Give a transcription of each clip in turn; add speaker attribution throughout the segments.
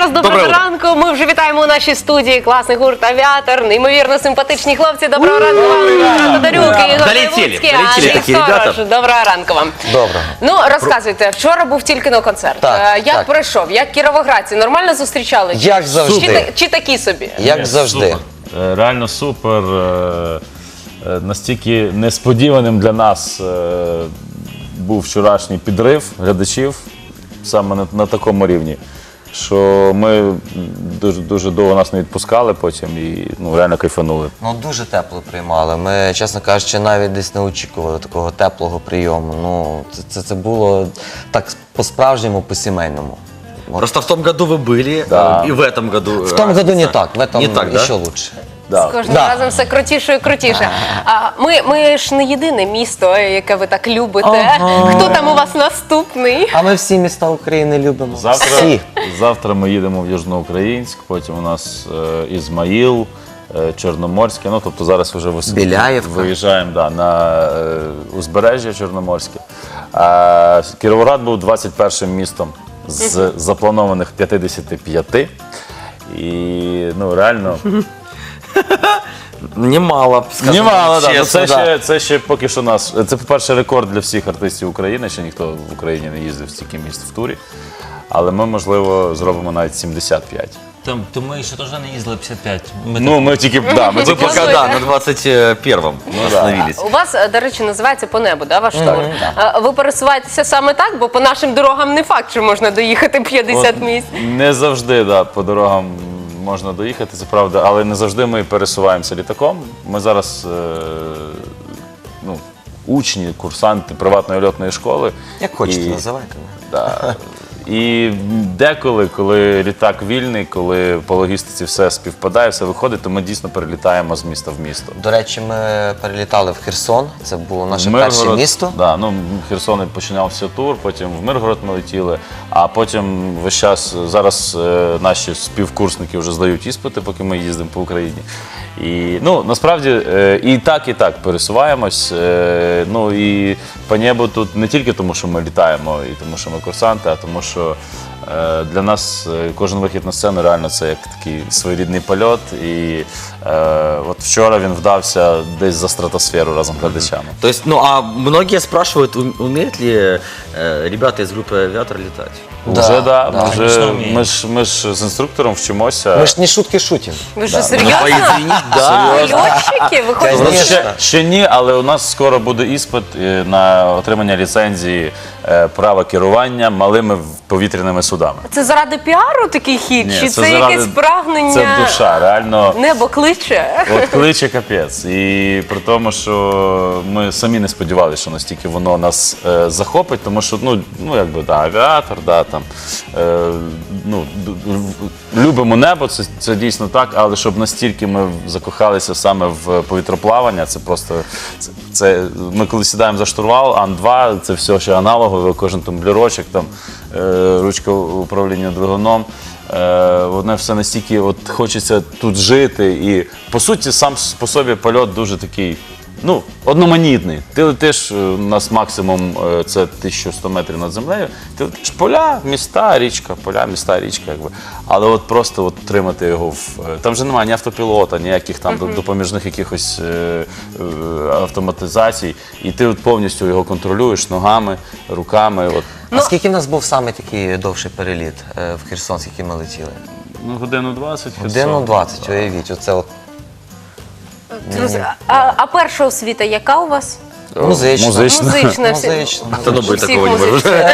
Speaker 1: раз, доброго ранку. Ми вже вітаємо у нашій студії класний гурт «Авіатор», неймовірно симпатичні хлопці. Доброго ранку вам, Тодорюк і Ігор Левуцький, Андрій Сторож. Доброго ранку вам.
Speaker 2: Доброго.
Speaker 1: Ну, розказуйте, вчора був тільки на концерт. Як пройшов? Як кіровоградці? Нормально зустрічали?
Speaker 2: Як завжди.
Speaker 1: Чи такі собі?
Speaker 2: Як завжди.
Speaker 3: Реально супер. Настільки несподіваним для нас був вчорашній підрив глядачів саме на такому рівні, що ми дуже довго нас не відпускали потім і реально кайфанули.
Speaker 2: Ну, дуже тепло приймали. Ми, чесно кажучи, навіть десь не очікували такого теплого прийому. Ну, це було так по-справжньому, по-сімейному.
Speaker 4: Просто в том году вы были,
Speaker 3: Да.
Speaker 4: и в этом году.
Speaker 2: В том году не так, в этом
Speaker 4: Не так, да?
Speaker 2: еще лучше.
Speaker 1: З кожним разом все крутіше і крутіше. Ми ж не єдине місто, яке ви так любите. Хто там у вас наступний?
Speaker 2: А ми всі міста України любимо. Всі.
Speaker 3: Завтра ми їдемо в Южноукраїнськ, потім у нас Ізмаїл, Чорноморське, ну тобто зараз вже
Speaker 2: Біляєвка.
Speaker 3: виїжджаємо на узбережжя Чорноморське. Кіровоград був 21-м містом з запланованих 55. І реально...
Speaker 4: Немало, скажем
Speaker 3: Немало, так.
Speaker 4: честно,
Speaker 3: Це ще поки що нас. Це, по-перше, рекорд для всіх артистів України. Ще ніхто в Україні не їздив в стільки міст в турі. Але ми, можливо, зробимо навіть 75.
Speaker 5: То ми ще теж не їздили 55.
Speaker 3: Ми тільки,
Speaker 4: Вы пока, да, на 21-м остановились.
Speaker 1: У вас, до речі, називається «По небу», да, ваш тур? Ви пересуваєтеся саме так, бо по нашим дорогам не факт, що можна доїхати 50 місць.
Speaker 3: Не завжди, по дорогам можна доїхати, це правда, але не завжди ми пересуваємося літаком. Ми зараз учні, курсанти приватної льотної школи.
Speaker 2: Як хочете,
Speaker 3: І-
Speaker 2: називайте.
Speaker 3: Да. І деколи, коли літак вільний, коли по логістиці все співпадає, все виходить, то ми дійсно перелітаємо з міста в місто.
Speaker 2: До речі, ми перелітали в Херсон. Це було наше перше місто.
Speaker 3: Да, Херсон починався тур, потім в Миргород ми летіли, а потім весь час, зараз наші співкурсники вже здають іспити, поки ми їздимо по Україні. І, насправді, і так пересуваємось. І по небу тут не тільки тому, що ми літаємо, і тому, що ми курсанти, а тому, що для нас кожен вихід на сцену реально це як такий своєрідний польот. І от вчора він вдався десь за стратосферу разом з глядачами.
Speaker 4: То есть, а многие спрашивают, умеют ли ребята из группы «Авиатор» летать?
Speaker 3: Вже, да.
Speaker 5: Звісно, вміємо.
Speaker 3: Ми ж з інструктором вчимося.
Speaker 2: Ми ж не шутки шутимо.
Speaker 1: Ви що, серйозно?
Speaker 4: Извините, да.
Speaker 1: Льотчики? Ви хочете?
Speaker 2: Конечно.
Speaker 3: Ще ні, але у нас скоро буде іспит на отримання ліцензії права керування малими повітряними судами.
Speaker 1: Це заради піару такий хід?
Speaker 3: Ні,
Speaker 1: Чи це
Speaker 3: заради-
Speaker 1: якесь прагнення?
Speaker 3: Це душа, реально.
Speaker 1: Небо кличе?
Speaker 3: От кличе капець. І при тому, що ми самі не сподівалися, що настільки воно нас захопить, тому що, авіатор, любимо небо, це дійсно так, але щоб настільки ми закохалися саме в повітроплавання, це просто, ми коли сідаємо за штурвал, Ан-2, це все ще аналогове, кожен тумблерочок, ручка управління двигуном. Воно все настільки хочеться тут жити. І, по суті, сам по собі польот дуже такий, одноманітний. Ти летиш, у нас максимум це 1100 метрів над землею. Ти летиш поля, міста, річка, поля, міста, річка. Якби. Але просто отримати його там вже немає ні автопілота, ніяких там допоміжних якихось автоматизацій. І ти повністю його контролюєш ногами, руками.
Speaker 2: А скільки в нас був саме такий довший переліт в Херсон, скільки ми летіли?
Speaker 3: Годину 20.
Speaker 2: Годину 20, уявіть. Оце
Speaker 1: А перша освіта яка у вас?
Speaker 2: музично.
Speaker 1: Музична.
Speaker 2: Музично.
Speaker 4: Да ну, быть,
Speaker 1: Всіх
Speaker 4: такого не может.
Speaker 1: музична.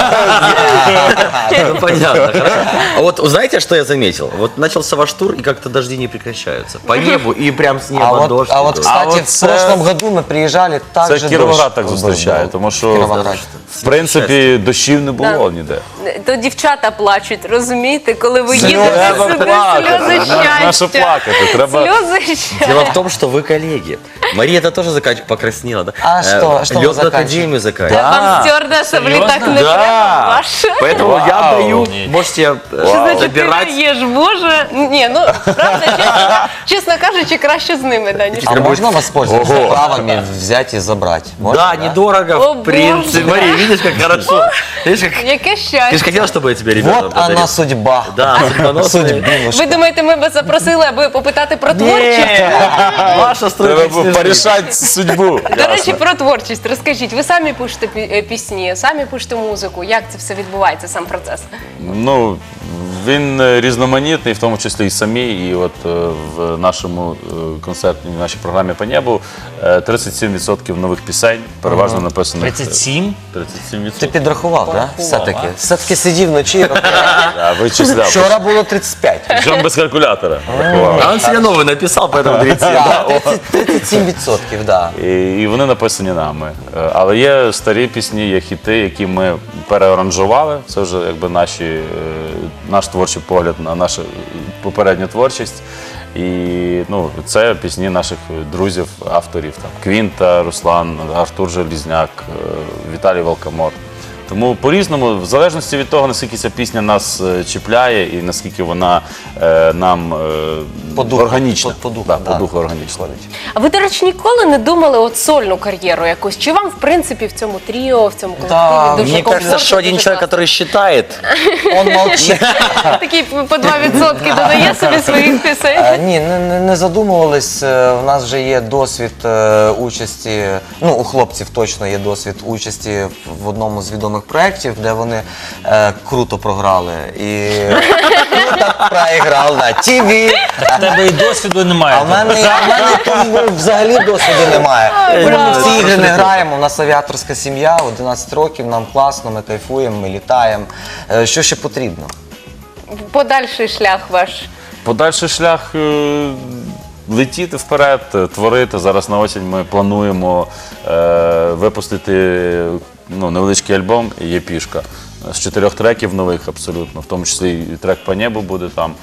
Speaker 4: Ну, понятно, хорошо. А вот знаете, что я заметил? Вот начался ваш тур, и как-то дожди не прекращаются. По небу, и прям с неба дождь.
Speaker 2: Кстати, в
Speaker 3: це-
Speaker 2: прошлом году ми приїжджали, так же
Speaker 3: Це Кіровоград
Speaker 2: дощ
Speaker 3: так
Speaker 2: був.
Speaker 3: зустрічає, тому що,
Speaker 2: Кіровоград.
Speaker 3: в принципі, дощів не було ніде.
Speaker 1: То дівчата плачуть, розумієте, коли ви
Speaker 2: Сльози.
Speaker 1: їдете
Speaker 3: Треба
Speaker 1: сюди,
Speaker 3: плакати.
Speaker 1: сльози
Speaker 3: На що
Speaker 1: щастя.
Speaker 3: плакати? Треба...
Speaker 1: Сльози щастя.
Speaker 4: Дело в том, что вы коллеги. Мария это тоже покраснела, да?
Speaker 2: А что вы
Speaker 4: Лётную
Speaker 2: заканчиваете?
Speaker 4: академию заканчивает.
Speaker 1: Вам стюардеса в літак не треба, ваше.
Speaker 4: Поэтому я
Speaker 3: Вау.
Speaker 4: даю, можете
Speaker 1: Що значить ти
Speaker 4: забирать.
Speaker 1: даєш, Боже? Ні, правда, чесно кажучи, краще з ними, да, ніж
Speaker 2: А можно воспользоваться правами взять и забрать? Можно,
Speaker 4: Да, недорого,
Speaker 1: О,
Speaker 4: в принципе.
Speaker 1: Боже.
Speaker 4: Мария, видишь, как хорошо. Видишь, как...
Speaker 1: Яке
Speaker 4: Ты же
Speaker 1: щастя.
Speaker 4: хотела, чтобы я тебе ребенка
Speaker 2: Вот она судьба.
Speaker 4: Да, судьбоносная.
Speaker 1: Ви думаєте, ми вас запросили, аби попитати про творчість?
Speaker 4: Не, Маша строит
Speaker 3: Треба
Speaker 4: мечты жизни.
Speaker 3: порішати судьбу.
Speaker 1: До речі, про творчість розкажіть. Ви самі пишете пісні, самі пишете музику. Як це все відбувається, сам процес?
Speaker 3: Ну, він різноманітний, в тому числі і самі. І от в нашому концертній, в нашій програмі «По небу» 37% нових пісень, переважно написано.
Speaker 5: 37?
Speaker 3: 37%.
Speaker 2: Ти підрахував, так? Все-таки. Все-таки сидів вночі.
Speaker 3: А, вичисляв.
Speaker 2: Вчора було 35.
Speaker 3: Причому без калькулятора. рахував.
Speaker 4: А он себе новый написал, поэтому 37.
Speaker 2: Да, 37%, да.
Speaker 3: І вони написані нами. Але є старі пісні, є хіти, які ми переаранжували. Це вже якби наш творчий погляд на нашу попередню творчість. І ну, це пісні наших друзів, авторів. Там, Квінта, Руслан, Артур Желізняк, Віталій Волкомор. Тому по-різному, в залежності від того, наскільки ця пісня нас чіпляє і наскільки вона нам
Speaker 2: По духу,
Speaker 3: органічна.
Speaker 2: по духу,
Speaker 3: Да,
Speaker 2: да.
Speaker 3: по духу органічна.
Speaker 1: А ви, до речі, ніколи не думали от сольну кар'єру якусь? Чи вам, в принципі, в цьому тріо, в цьому колективі
Speaker 2: Да,
Speaker 1: дуже
Speaker 4: Мне кажется,
Speaker 1: комфортно,
Speaker 4: что один
Speaker 1: дуже
Speaker 4: человек,
Speaker 1: класно?
Speaker 4: который считает,
Speaker 2: Он молчить.
Speaker 1: Такий по 2% додає собі своїх пісень.
Speaker 2: Ні, не задумувались. У нас вже є досвід участі, ну, у хлопців точно є досвід участі в одному з відомих проєктів, де вони круто програли. І круто проіграв на ТВ.
Speaker 5: У тебе і досвіду немає.
Speaker 2: А в мене тому взагалі досвіду немає. Ми в ці ігри не граємо, у нас авіаторська сім'я, 11 років, нам класно, ми кайфуємо, ми літаємо. Що ще потрібно?
Speaker 1: Подальший шлях ваш.
Speaker 3: Подальший шлях летіти вперед, творити. Зараз на осінь ми плануємо випустити невеличкий альбом «Єпішка» з 4 треків нових абсолютно, в тому числі і трек «По небу» буде там.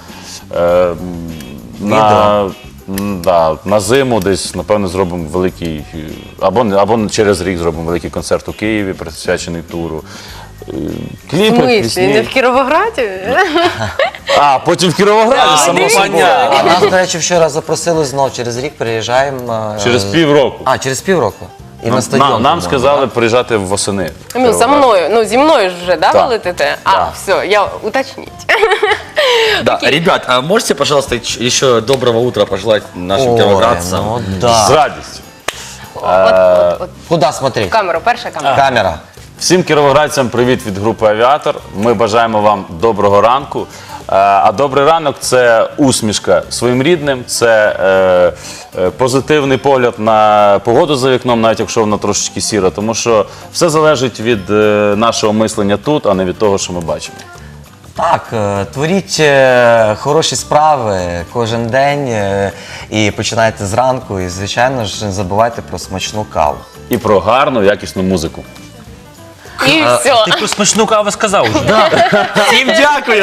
Speaker 3: На зиму десь, напевно, зробимо великий, або через рік зробимо великий концерт у Києві, присвячений туру.
Speaker 1: В
Speaker 3: Кліпи,
Speaker 1: смислі?
Speaker 3: пісні.
Speaker 1: Не в Кіровограді?
Speaker 3: А, потім в Кіровограді, само собою.
Speaker 2: А нас, до речі, вчора запросили знов, через рік приїжджаємо.
Speaker 3: Через півроку.
Speaker 2: А, через півроку? І на стадіон.
Speaker 3: Нам
Speaker 2: по-моєму,
Speaker 3: сказали приїжджати восени.
Speaker 1: Ну, за мною, ну, зі мною ж вже, да, ви
Speaker 3: Так.
Speaker 1: летите? А,
Speaker 3: Да.
Speaker 1: все, я уточніть.
Speaker 4: Да, ребят, а можете, пожалуйста, еще доброго утра пожелать нашим
Speaker 2: Ой,
Speaker 4: кировоградцам?
Speaker 2: ну
Speaker 3: З
Speaker 2: да.
Speaker 3: радістю.
Speaker 1: От,
Speaker 2: Куда смотреть?
Speaker 1: камеру, перша камера.
Speaker 2: Камера.
Speaker 3: Всім кіровоградцям привіт від групи «Авіатор». Ми бажаємо вам доброго ранку. А добрий ранок – це усмішка своїм рідним, це позитивний погляд на погоду за вікном, навіть якщо вона трошечки сіра, тому що все залежить від нашого мислення тут, а не від того, що ми бачимо.
Speaker 2: Так, творіть хороші справи кожен день і починайте зранку. І, звичайно ж, не забувайте про смачну каву.
Speaker 3: І про гарну, якісну музику.
Speaker 1: І все.
Speaker 5: Ти про смачну каву сказав вже.
Speaker 4: Всем дякую!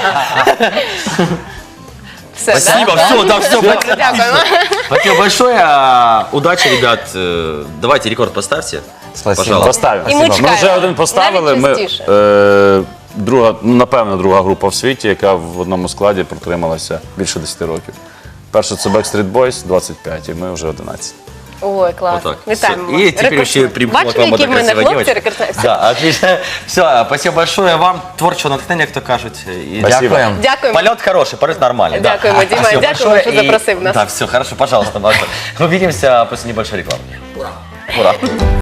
Speaker 1: Все, да?
Speaker 4: Спасибо, все, да, все.
Speaker 1: Дякуємо.
Speaker 4: Спасибо большое. Удачи, ребят. Давайте рекорд поставьте.
Speaker 2: Спасибо.
Speaker 4: Пожалуйста.
Speaker 3: Поставимо.
Speaker 1: І ми
Speaker 3: Ми
Speaker 1: чекаємо.
Speaker 3: вже один поставили.
Speaker 1: Навіть
Speaker 3: Ми,
Speaker 1: частіше.
Speaker 3: напевно, друга група в світі, яка в одному складі протрималася більше 10 років. Перша це Backstreet Boys, 25, і ми вже 11.
Speaker 1: Ой, класно.
Speaker 4: Вот так.
Speaker 1: Вітаємо.
Speaker 4: Всё. И теперь
Speaker 1: Рекордсмен.
Speaker 4: еще примкнула к
Speaker 1: Бачите,
Speaker 4: вам
Speaker 1: які
Speaker 4: эта
Speaker 1: в мене
Speaker 4: красивая
Speaker 1: хлопці
Speaker 4: девочка.
Speaker 1: рекордсмени?
Speaker 4: Да, отлично. Все, спасибо большое вам. Творчего натхнення, хто кажуть. І
Speaker 3: Спасибо.
Speaker 2: Дякуємо.
Speaker 1: Дякуємо.
Speaker 4: Полет хороший, полет нормальный. да.
Speaker 1: Дякуємо, Діма,
Speaker 4: Спасибо
Speaker 1: дякуємо,
Speaker 4: большое.
Speaker 1: що
Speaker 4: И-
Speaker 1: запросив нас.
Speaker 4: Да, все, хорошо, пожалуйста, Маша. Увидимся после небольшой рекламы. Ура.